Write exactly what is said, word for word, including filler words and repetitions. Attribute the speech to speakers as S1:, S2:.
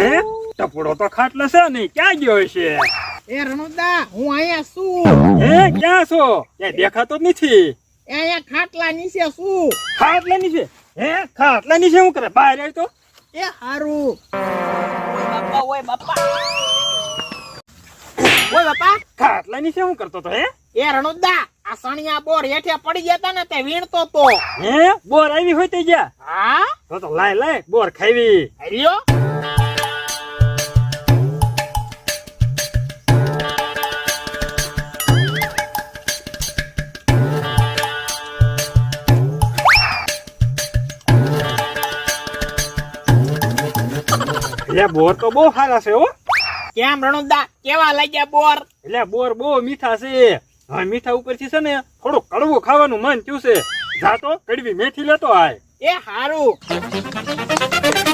S1: હે ટપડો તો ખાટલો છે નહીં, ક્યાં ગયો છે?
S2: એ રણુદા હું અહીંયા છું.
S1: હે ક્યાં છો? ક્યાં દેખાતો જ નથી.
S2: એ અહીંયા ખાટલા નીચે છું.
S1: ખાટલા નીચે? હે ખાટલા નીચે શું કરે? બહાર આવી તો.
S2: એ હારું. ઓય બાપા ઓય બાપા ઓય બાપા
S1: ખાટલા નીચે શું કરતો તો? હે
S2: એ રણુદા આ સણિયા બોર હેઠે પડી જતા ને તે વીણતો તો.
S1: હે બોર આવી હોય તે ગયા?
S2: હા
S1: તો તો લાય લાય બોર ખાવી.
S2: હરિયો
S1: એટલે બોર તો બહુ સારા છે હો.
S2: કેમ રણુદા કેવા લાગ્યા બોર?
S1: એટલે બોર બહુ મીઠા છે. હવે મીઠા ઉપરથી છે ને થોડું કડવું ખાવાનું મન થયું છે. જા તો કડવી મેથી લેતો આય.
S2: એ હારું.